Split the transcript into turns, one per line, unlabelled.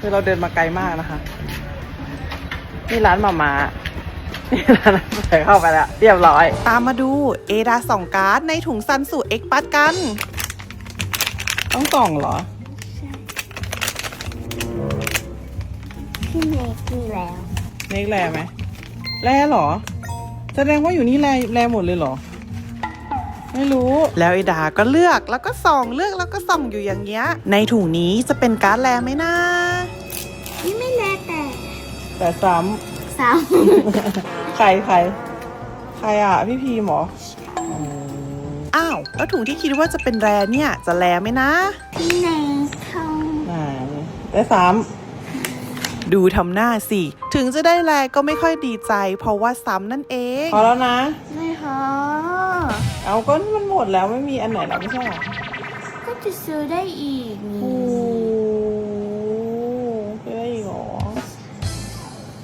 คือเราเดินมาไกลมากนะคะนี่ร้านมานี่ร้านใส่เข้าไปแล้วเรียบร้อยตามมาดูเอดาส่องการ์ดในถุงซันสูเอ็กปัสกันต้องส่องเหรอ
พี่เมกมีแล้ว
เน็กแลไหมแลเหรอแสดงว่าอยู่นี่แลหมดเลยเหรอไม่รู้แล้วไอดาก็เลือกแล้วก็ส่องเลือกแล้วก็ส่องอยู่อย่างเงี้ยในถุงนี้จะเป็นการ์ดแลไหมนะ
นี่ไม่แล
แต่ซ้
สาม
ำใครอ่ะพี่พีหมออ้าวแล้วถุงที่คิดว่าจะเป็นแรเนี่ยจะแลไหมนะ
พี่เนกเขา
ได้ซ้ำดูทำหน้าสิถึงจะได้แลก็ไม่ค่อยดีใจเพราะว่าซ้ำนั่นเองพอแล้วนะ
ไม่พอ
เอาก็มันหมดแล้วไม่มีอันไหนแล้วไม่ใช่หรอ
ก็จะซื้อได้อีกนี่
โอ้